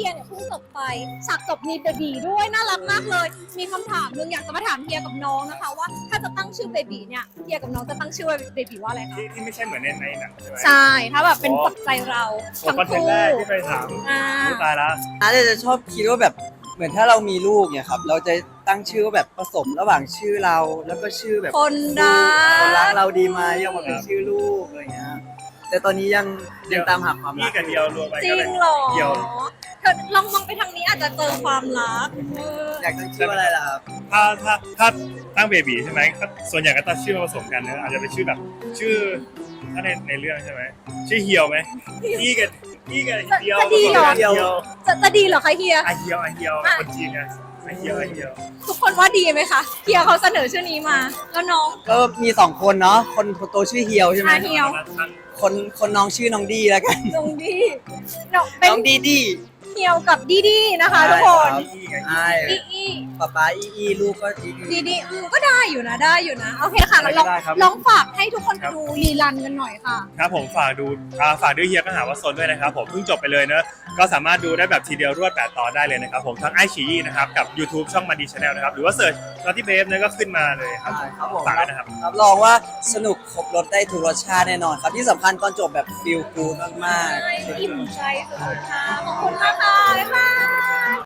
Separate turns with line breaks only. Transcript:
ยเนี่ยเพิ่งจบไปฉากจบมีเบบีด้วยน่ารักมากเลย มีคำถามนึงอยากจะมาถามเฮียกับน้องนะคะว่าถ้าจะตั้งชื่อเบบีเนี่ยเฮียกับน้องจะตั้งชื่อเบบีว่าอะไรคะ
ที่ไม่ใช่เหมือนในหนังใช่ไหม
ใช่ถ้าแบบเป็นปัจจัยเรา
โอ้
ทั้ง
คอนเทน
คู่
ต์แรกที่ไปถาม
อ่า
ตายแล้ว
อาจจะชอบคิดว่าแบบเหมือนถ้าเรามีลูกเนี่ยครับเราจะตั้งชื่อว่าแบบผสมระหว่างชื่อเราแล้วก็ชื่อแบบ
คนรัก
คนรักเราดีไหมยังมาเป็นชื่อลูกอะไรเงี้ยแต่ตอนนี้ยังตามหาความรั
พี่
ก
กับเดียวรวมไป
จริ
ก็
ง
เป็น
เหรอ
เดียว
เธอลองมองไปทางนี้อาจจะเจอความรัก
อยากตั้งชื่อว่าอะไรล่ะครับ
ถ้าตั้งเบบีใช่ไหมก็ส่วนใหญ่ก็ตั้งชื่อผสมกันนะอาจจะเป็นชื่อแบบชื่อถ้าในเรื่องใช่ไหมชื่อเฮียวไหมพี่กับเดียวผสมกันเฮียว
จะดีเหรอคะเฮีย
อาเฮียวคนจีนไงอาเฮียว
ทุกคนว่าดีไหมคะเฮียเขาเสนอชื่อนี้มา แล้วน้อง
ก็มี2คนเนาะคนโตชื่อเฮียวใช่ไหม
เฮียว
คนน้องชื่อน้องดีแล้วกัน
น้องดีน้องเป็น
น้องดีดี
เฮียวกับดีดีนะคะทุกคน
ใช่
อีอี
ป๊าอีลูกก็ดี
ดีดีก็ได้อยู่นะได้อยู่นะโอเคค่ะงั้นลองฝากให้ทุกคนไปดูรีรันกันหน่อยค่ะ
ครับผมฝากดูเฮียก็หาว่าโซนด้วยนะครับผมเพิ่งจบไปเลยเนอะก็สามารถดูได้แบบทีเดียวรวด8 ตอนได้เลยนะครับผมทั้งไอชีนะครับกับ YouTube ช่องมันดีชาแนลนะครับหรือว่าเสิร์ชนอตตี้เบฟเนี่ยก็ขึ้นมาเลยครับ
ครับผม
ฝากด้วยนะครับ
รับรองว่าสนุกครบรสได้ทุกรสชาติแน่นอนครับที่สำคัญตอนจบแบบฟีลกูดมากๆ
อิ่มใจสุดๆค่ะขอบคุณมากค่ะบ๊ายบาย